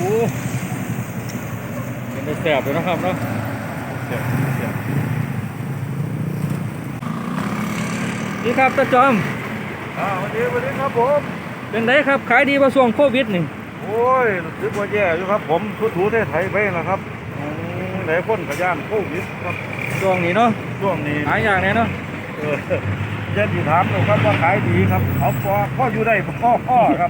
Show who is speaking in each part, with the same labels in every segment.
Speaker 1: เป็นแสบเลยนะครับเนาะแสบนี่ครับตาจอม
Speaker 2: วันนี้ครับผม
Speaker 1: เป็นไงครับขายดีป่ะช่วงโควิดนี่
Speaker 2: โอ้ยรู้สึกว่าแย่อยู่ครับผมถูไทยไปนะครับไหนคนกระย่านโควิดครับ
Speaker 1: ช่วงนี้เนาะ
Speaker 2: ช่วงนี้
Speaker 1: หายอย่างแน่เนาะ
Speaker 2: ยันที่ถามเลยครับว่าขายดีครับเอาพ่ออยู่ได้พ่อครับ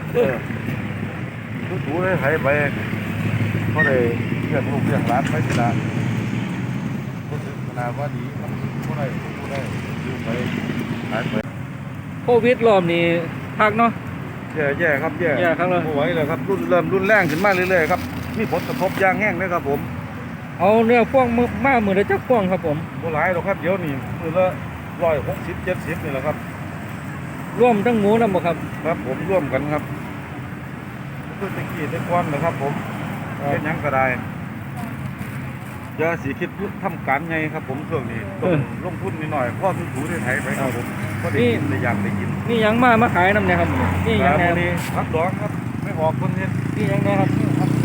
Speaker 2: ถูไทยไปก็เลยเรื่องลูกเรื่องหลานไปที่ละรู้สึกขนาดว่าดีครับผู้ได้อยู่ไปขายไป
Speaker 1: โควิดรอบนี้พักเนาะ
Speaker 2: แย่ครับแย่
Speaker 1: ครับเลย
Speaker 2: ไม่ไหวเลยครับเริ่มรุนแรงขึ้นมาเรื่อยๆครับมีผลกระทบอย่างแห้งเลยครับผม
Speaker 1: เอาเนี่ยพ่วงมามือละจักพ่วงครับผม
Speaker 2: โบราณหรอกครับเดี๋ยวนี้มือละ160-170นี่แหละครับ
Speaker 1: ร่วมทั้งหมูนะบ่ครับ
Speaker 2: ครับผมร่วมกันครับเพื่อตะกี้ตะก้อนนะครับผมเป็นยังก็ได้อย่าสีคิดทำการไงครับผมช่วงนี้ต้องลงทุนนิดหน่อยพ่อถูได้ไถไปครับผมก็ได้กินได้อยากได้กิน
Speaker 1: นี่ยังมาขายน้ำเนี่ยครับนี่ยังแน่
Speaker 2: นี่พักดองครับไม่ออกคนนี้
Speaker 1: นี่ยังแน่ครับ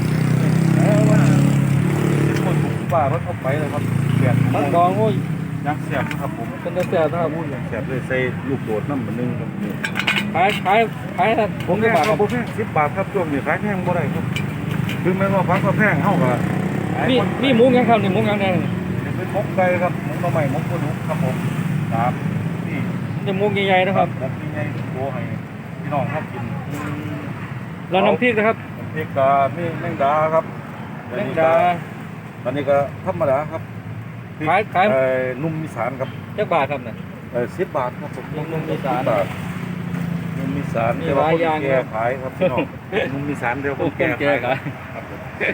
Speaker 2: คนถูกป่ารถเข้าไปเลยครับเสียบ
Speaker 1: พักดองโอ้ย
Speaker 2: ยังเสียบครับผม
Speaker 1: เป็นเสียบครับ
Speaker 2: เสียบเลยใส่ลูกโดดน้ำเหมือนนึงครับนี่
Speaker 1: ขายครับ
Speaker 2: ผมแพงครับผมแพง10 บาทครับช่วงนี้ขายแพงบ่ได้ครับคือไม่ว่าพักก็แพงเท่ากับ
Speaker 1: นี่หมูยังครับนี่หมูยังแน่
Speaker 2: เป็นมกไก่ครับมกกระไหม่มกกระดูกครับผมนี่
Speaker 1: จะหมูใหญ่ๆนะครับ
Speaker 2: มกใหญ่ๆโตให้พี่น้องครับกิน
Speaker 1: แล้วน้ำพริกนะครับ
Speaker 2: น้ำพริกกามีแมงดาครับ
Speaker 1: แมงดา
Speaker 2: ตอนนี้ก็ธรรมดาครับ
Speaker 1: ขาย
Speaker 2: นุ่มมีสารครับ
Speaker 1: จักบาทครับเนี่ย
Speaker 2: 10 บาทครับผม
Speaker 1: นุ่มมีสาร
Speaker 2: นุ่มมีสารเดี๋ยวคนแก่ขายครับพี่น้องนุ่มมีสารเดี๋ยวคนแก่ขายครับ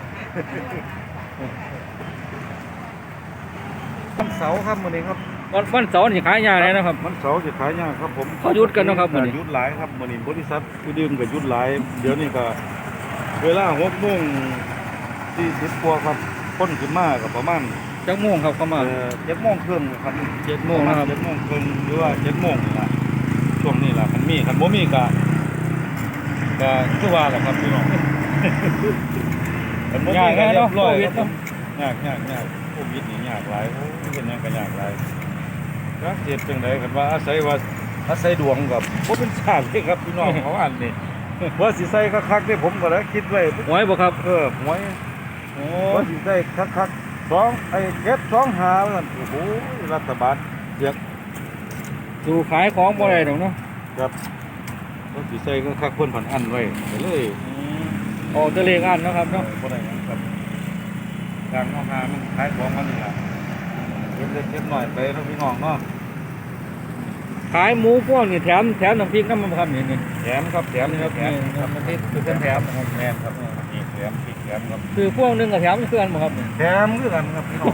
Speaker 2: วันเสาร์ครับมื้อนี้ครับ
Speaker 1: วันเสาร์นี่ขายยากเลยนะครับ
Speaker 2: วันเสาร์จะขายยากครับผม
Speaker 1: เขาหยุดกันนะครับมื้อนี้
Speaker 2: หยุดหลายครับมื้อนี้บริษัทที่ดื่มก็หยุดหลายเดี๋ยวนี้ก็เวลา6:40กว่าครับคนขึ้นมาก็ประมาณ
Speaker 1: จักโมงครับเข้ามา
Speaker 2: 7:30ครับ
Speaker 1: 7:00นะครับ
Speaker 2: 7:30หรือว่า7:00นี่ล่ะช่วงนี้ล่ะคันบ่มีก็คือว่าแหละครับพี่น้องคันบ่มีก็เรียบร้อยครับยากโควิดนี่ยากหลายโอ้เป็นหยังก็ยากหลายรักเจ็บจังได๋กันว่าอาศัยดวงกับบ่เป็นชาติเลยครับพี่น้องของอันนี้ว่าสิใส่คักๆนี่ผมก็ได้คิดไว้
Speaker 1: หวยบ่ครับ
Speaker 2: หวยว่าสิใส่คักๆ725นั่นโอ้โหรัฐบาลเสียก
Speaker 1: สู่ขายของบ่ได้ดอกเนาะ
Speaker 2: ครับว่าสิใส่คักๆเพิ่นผันอันไว้ก็เลย
Speaker 1: ออกจะเลขอันนะครับเนาะ
Speaker 2: บ่ได้หยังครับทางเอาหามันขายของมันนี่ล่ะเก็บหน่อยไปเนาะพี่น้องเนาะ
Speaker 1: ขายหมูพวกนี่แถมน้ำพริกน้ำมันครับนี่
Speaker 2: แถมครับแถมนี่ครับแถม
Speaker 1: น้ำพริกคือเป็นแถมนะครับ
Speaker 2: แม่นครับนี่แถมพริกแถมครับ
Speaker 1: คือพวกนึงกับแถมคือกันบ่ครับ
Speaker 2: แถมคือกันครับพี่น้อง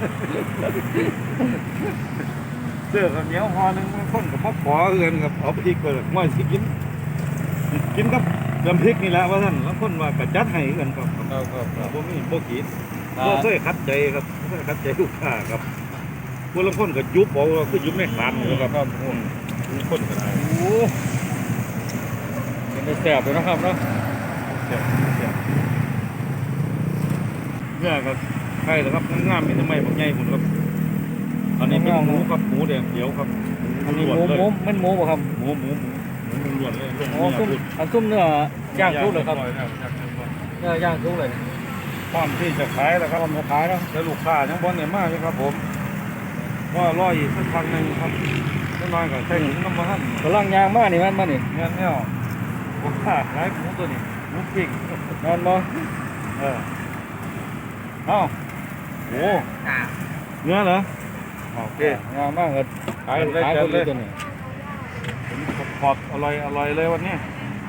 Speaker 2: เสื้อกับเหนียวห่อนึงคนกับพ่อขอเงินกับเอาพริกไปม่สิกินกับน้ำพริกนี่แหละว่าท่านแล้วคนว่ากระจัดให้กันครับบ่มีบ่ขีดบ่เคยคัดใจครับบ่เคยคัดใจลูกค้าครับคนละคนก็ยุบบอกว่าคือยุบไม่ขาดครับคนก็ได้
Speaker 1: โอ้เป็นแสบเลยนะครับเนาะ
Speaker 2: แสบเนี่ยครับใช่แล้วครับงามๆมีทำไมบางใหญ่ผมครับอันนี้เป็นหมูครับหมูแดงเขียวครับ
Speaker 1: อันนี้หมูมันหมูป่ะครับ
Speaker 2: หมูล้วนเลย
Speaker 1: อ๋อซุ่มเนื้อย่างทุกเลยครับเนื้อย่างทุกเลย
Speaker 2: พร้อมที่จะขายแล้วครับ
Speaker 1: พร้อมจะขายแล้ว
Speaker 2: แต่ลูกค้ายังบ่ได้มาเลยครับผมว่ารออีกสักพักนึงครับน้อยๆก็ใช้น้ำมัน
Speaker 1: กำลังยางมานี่มันมานี่
Speaker 2: เงี้ยผมขายหมูตัวนี้หมูปิ้ง
Speaker 1: นอนบ่
Speaker 2: เอ้าโอ้เนื้อเหรอโอเค
Speaker 1: งามมากเลยขายคนเลยตัวนี้
Speaker 2: ขอบอร่อยเลยวันนี้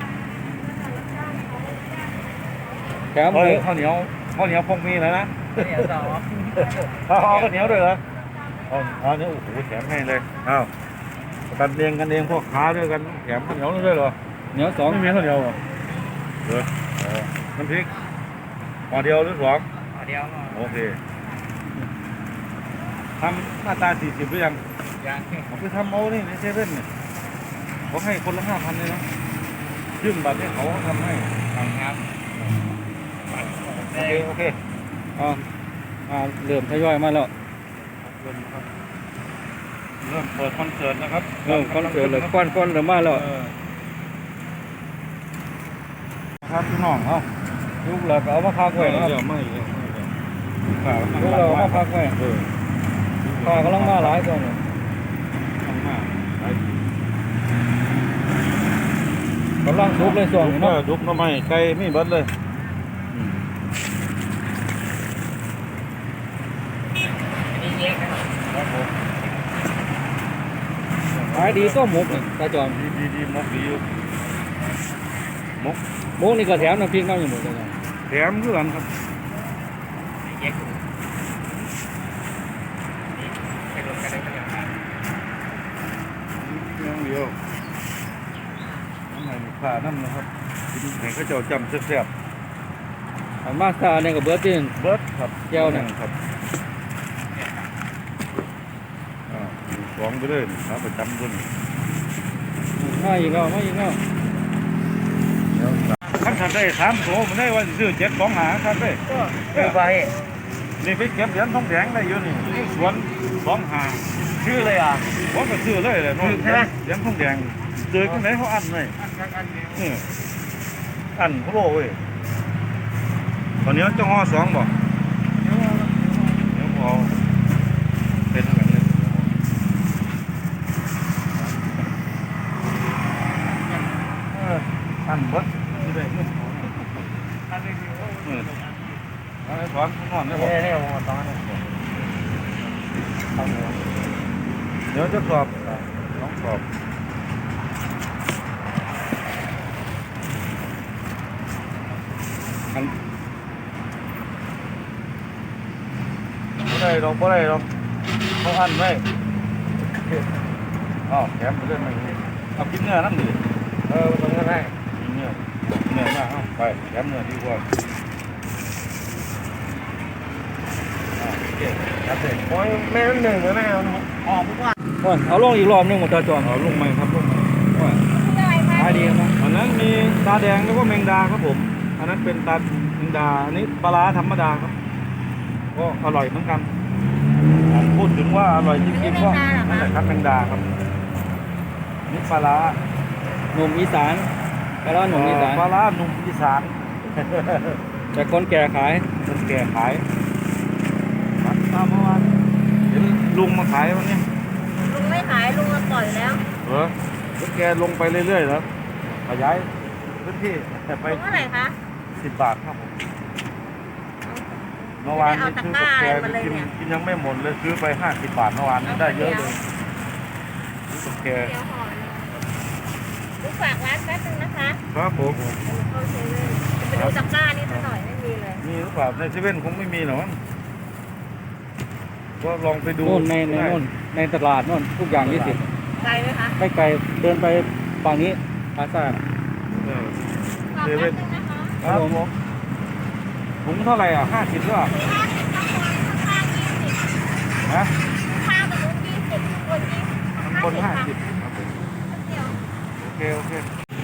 Speaker 1: แถม
Speaker 2: ข้าวเหนียวพงมีแล้วนะข้าวเหนียวด้วยเหรอเนี่ยโอ้โหแถมให้เลยอ้าวกันเองพวกค้าด้วยกันแถมข้าวเหนียวด้วยเหรอ
Speaker 1: เหนียว2
Speaker 2: ไม่มีข้าวเหนียวเหรอน้ำพริกห่อเดียวหรือ2ห่
Speaker 3: อเดียว
Speaker 2: โอเคทำมาตรา40หรือยังผมไปทำเอานี่ในเซเว่นเนี่ยเขาให้คนละ5,000เลยนะยื่นบัตรให้เขาทำให้
Speaker 3: ครับ
Speaker 2: โอเค
Speaker 1: อ่าเริ่มทยอยมาแล้ว
Speaker 2: เริ่มเปิดคอนเสิร์ตนะครับ
Speaker 1: เริ่มคอนเสิร์ตเลยก้อนเริ่มมาแล้ว
Speaker 2: ครับพี่น้องเอา
Speaker 1: ยุกแล้วก็เอามาพักไว้นะครับ
Speaker 2: ไม่ข่าว
Speaker 1: ยุกเราเอามาพักไว้ข้ากำลังมาหลายตัวเนี่ย
Speaker 2: ข้างมาก
Speaker 1: กำลังทุบเลยส่วนนี้เนาะ
Speaker 2: ดุกน้ำไม้ไก่ไม่เบิดเลย
Speaker 1: ขายดีก็หมกนี่ตาจอม
Speaker 2: ดีมกดีอยู่มก
Speaker 1: หมกนี่ก็แถมน้ำพริกน้ำอย่างหมดเลย
Speaker 2: แถมเพื่อนครับเดียวน้ำไหนผ่าน้ำนะครับกินให้เขาเจ้าจำแซ่บ
Speaker 1: อันมาสตาเนี่ยกับเบิร์ดที่
Speaker 2: ๆเบิดครับ
Speaker 1: แก้วเนี่ย
Speaker 2: ครับสองไปเลยครับประจำด้วย
Speaker 1: มาอีกแล้วมาอีกแล้ว
Speaker 2: ท่านได้3 โถมันได้ว่าซื้อ7 2 หาครับเด้
Speaker 3: คือไป
Speaker 2: นี่ไปเก็บเหรียญทองแดงได้อยู่นี่ที่สวน2 หา
Speaker 3: ชื่อเลยอ่ะ
Speaker 2: ผมก็ซื้อเลยแหละน้อง
Speaker 3: ใช่ไหม
Speaker 2: เหรียญทองแดงเจอกันไหนเขาอันเลยนี่อันเขาโลเว้ยตอนนี้จะห่อ2บ่เดี๋ยวพอเป็นกันเลยอันเบิดนี่ได้เนี่ยอะไรถอนนอนได้บ่
Speaker 3: เนี่ยตอนนี้
Speaker 2: เดี๋ยวจะสอบน้องสอบอันบ่ได้หรอกเขาอันไว้อ้าวแถมไปเรื่อยมาเอากินเนื้อนั่นดิ
Speaker 3: ตรงนั้นได้
Speaker 2: กินเนื้อมาเอาไปแถมเนื้อดีกว่าโอเคครับเสร็จ
Speaker 3: โอ้ยแม่หนึ่งหรือแม่ออกทุกวัน
Speaker 1: โอ้ยเอาลงอีกรอบนึงหมดตาจอม
Speaker 2: เอาลงไหมครับลงไหม
Speaker 1: ขายดีนะ
Speaker 2: อันนั้นมีตาแดงแล้วก็แมงดาครับผมอันนั้นเป็นตาแมงดาอันนี้ปลาร้าธรรมดาครับก็อร่อยเหมือนกันพูดถึงว่าอร่อยจริงๆก็นั่นแหละครับแมงดาครับนี่ปลาร้า
Speaker 1: หนุ่มอีสานปลาร้าหนุ่มอีสาน
Speaker 2: ปลาร้าหนุ่มอีสาน
Speaker 1: แต่คนแก่ขาย
Speaker 2: คนแก่ขายตามเมื่อวานเห็นลุงมาขายวันนี้
Speaker 4: ลุงไม่ขายลุงปล่อยแล้ว
Speaker 2: เหรอแล้วแกลงไปเรื่อยๆแล้วขยายพื้นที่แต่ไป
Speaker 4: ลุงเท่าไหร่คะ
Speaker 2: 10 บาทครับผมเมื่อวานนี้ซื้อกับแกกินยังไม่หมดเลยซื้อไป50 บาทเมื่อวานนี้ได้เยอะเลยซื้อกับแก
Speaker 4: เดี๋ยวห่อเลยลุงฝากร้านแป๊บนึงนะคะ
Speaker 2: ครับผม
Speaker 4: เข้าเซเว่นจะไปดูตะกร้านี่ซะหน่อยไม่มีเลย
Speaker 2: มีหรือเปล่าในเซเว่นคงไม่มีหรอกมั้งก็ลองไปดู
Speaker 1: โน่นในโน่นในตลาดโน่นทุกอย่าง20
Speaker 4: ไกลไหมคะ
Speaker 1: ไม่ไกลเดินไปฝั่งนี้พาซ่า
Speaker 2: เออ
Speaker 4: ฝาก
Speaker 2: เซ
Speaker 4: แป๊
Speaker 2: เว่
Speaker 4: บ
Speaker 2: น
Speaker 4: นึงนะคะ
Speaker 2: ครับผมถุงเท่าไหร่อ่ะ50หรือเปล่า
Speaker 4: ข้าง
Speaker 2: ฮะ
Speaker 4: ๆข้างกับลุง20คน20
Speaker 2: ข้างบน
Speaker 4: ค่ะ
Speaker 2: 50ครับผม
Speaker 4: เดี๋ยว
Speaker 2: โอเค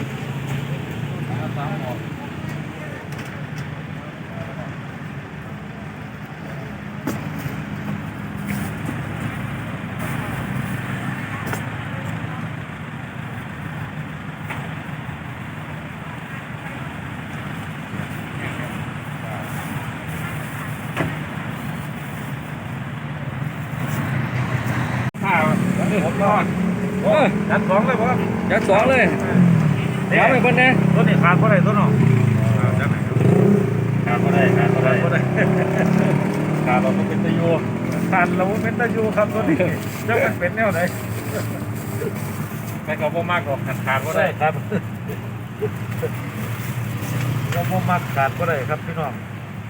Speaker 2: ผมนอน
Speaker 1: โอ้ย
Speaker 2: ยัดสองเลยครับ
Speaker 1: ยัดสองเลยถามไปคนแน่
Speaker 2: ตัวนี้ขาดเท่าไหร่ตัวน้องยัดไหนขาดเท่าไหร่ขาดเราเป็นตะยูขาดเราเป็นตะยูครับตัวนี้จะเป็นแนวไหนไม่กับพ่อมากหรอกขาดก็ได้ครับเราพ่อมากขาดก็ได้ครับพี่น้อง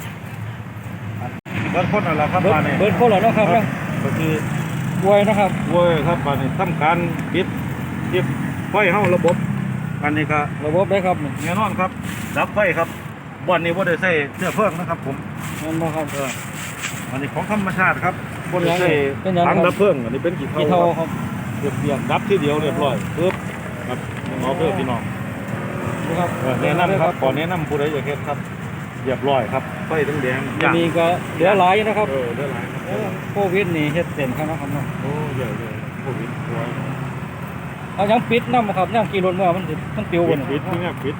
Speaker 2: เบิร์ดคนอะไรครับ
Speaker 1: เบิร์ดคนเหรอเนาะครับ
Speaker 2: ก็คือ
Speaker 1: รวยนะครับ
Speaker 2: โว้ยครับบ้านนี้ทำการปิดไฟเฮาระบบอันนี้ก็
Speaker 1: ระบบได้ครับนี่
Speaker 2: แน่นอนครับดับไฟครับบ่อนนี้บ่ได้ใส่เชื้อเพลิงนะครับผม
Speaker 1: นั่นบ่ครับ
Speaker 2: อันนี้ของธรรมชาติครับบ่ได้ใส่
Speaker 1: เป็นยังไง
Speaker 2: ถังดับเพลิงอันนี้เป็นกี่
Speaker 1: กี่
Speaker 2: เท่า
Speaker 1: เท่า
Speaker 2: ครับ
Speaker 1: ครับ
Speaker 2: เรียบดับที่เดียวเรียบร้อยปึ๊บครับเอาเพื่อพี่น้อง
Speaker 1: นี่ครับ
Speaker 2: แนะนำครับขอแนะนำผู้ใดอยากเฮ็ดครับเรียบร้อยครับไฟแดงๆ
Speaker 1: อันนี้ก็เหลือหลายอยู่นะครับ
Speaker 2: เด้อหลายครับ
Speaker 1: โควิดนี่เฮ็ดเต็มครับเนาะครับเนาะ
Speaker 2: โอ้เยอะโควิดตัว
Speaker 1: เอายังปิดนำครับยังกี่รถเมื่อมันสิมันปิว
Speaker 2: ปิ
Speaker 1: บ่
Speaker 2: ด
Speaker 1: นี่
Speaker 2: ปิดนี่ครับปิด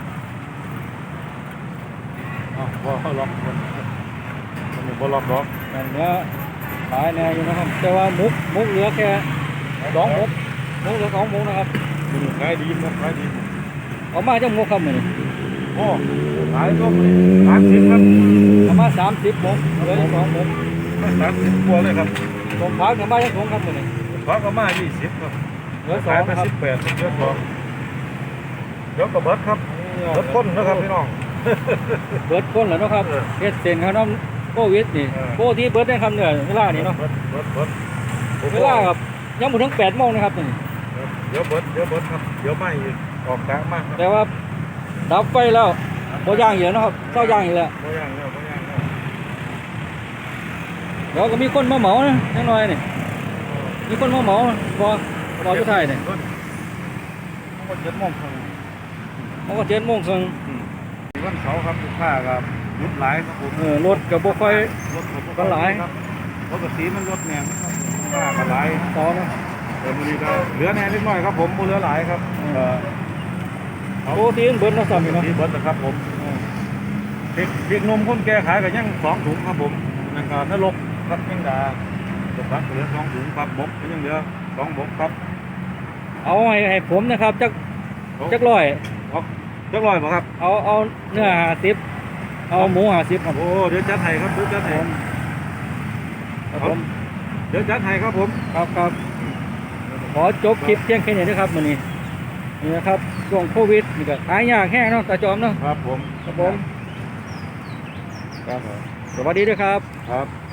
Speaker 2: อ้าวพอเขาล็อกมันบ่ล็อกล็อก
Speaker 1: มันเหลือหลายแน่อยู่นะครับแต่ว่ามุกเหลือแค่2มุกเหลือ2มุกนะครับ
Speaker 2: มันขายดีครับขายดี
Speaker 1: เอามาจังมุกครับมื้อนี้
Speaker 2: โอ้ขายก็30ครับ
Speaker 1: เอามา30มุกเหลืออยู่2มุก
Speaker 2: 30กว่าเลยครับ
Speaker 1: ตรงพักเอามาจังถุงครับมื้อนี้
Speaker 2: ขอก็มา20ครับ
Speaker 1: เหลือ
Speaker 2: ขาย
Speaker 1: 2
Speaker 2: ไป
Speaker 1: นะครับ
Speaker 2: 18เหลือ2เดี๋ยวก็เบิดครับเบิดคนนะครับพี่น้อง
Speaker 1: เบิดคนแล้วเนาะครับ
Speaker 2: เออ
Speaker 1: เฮ็ดเต็มครับน้ำโควิดนี่
Speaker 2: เออ
Speaker 1: โคที่เบิดได้ครับเนี่ยเวลานี้เนาะ
Speaker 2: เบิด
Speaker 1: เวลาครับยังบ่ถึง8โมงนะครับนี่
Speaker 2: เดี๋ยวเบิดครับเดี๋ยวไม่อีกออกกลางมากครับ
Speaker 1: แต่ว่าดับไฟแล้วบ่ย่างอีกแล้วเนาะครับเช้าย่างอีกแล้ว
Speaker 2: บ่ย่างแล้ว
Speaker 1: เดี๋ยวก็มีคนมาเหมานะนิดหน่อยนี่มีคนมาเหมาพออยู่ไทยนี่
Speaker 2: มันก็7:00นครับ
Speaker 1: มันก็7 โมงครึ่ง
Speaker 2: วันเสาร์ครับลูกค้าครับรถหลายครับผม
Speaker 1: รถก็บ่ค่อย
Speaker 2: รถ
Speaker 1: ก็หลาย
Speaker 2: ครับปกติมันรถแหนมครับลูกค้าก็หลาย
Speaker 1: ต่อเนาะ
Speaker 2: แต่มื้อนี้ก็เหลือแหน่นิดหน่อยครับผมบ่เหลือหลายครับ
Speaker 1: โคที่เบิดเนาะซ้ำนี่เนาะ
Speaker 2: ที่เบิดนะครับผมเด็กนมคนแก่ขายก็ยัง2ถุงครับผมนั่นก็นรกครับยังดาตกพักเหลือ2ถุงครับบกก็ยังเหลือ2บกครับ
Speaker 1: เอาให้ผมนะครับจักร้อย
Speaker 2: จักร้อยบ่ครับ
Speaker 1: เอาเนื้อ50เอาหมู50ครับ
Speaker 2: โอ้เดี๋ยวจัดให้ครับเดี๋ยวจัดให้
Speaker 1: ครับผม
Speaker 2: เดี๋ยวจัดให้ครับผม
Speaker 1: ครับขอจบคลิปเพียงแค่นี้นะครับมื้อนี้นี่นะครับช่วงโควิดนี่ก็หายากแห้งเนาะตาจอมเนาะ
Speaker 2: ครับผม
Speaker 1: ครับผมครับสวัสดีด้วยครับ
Speaker 2: ครับ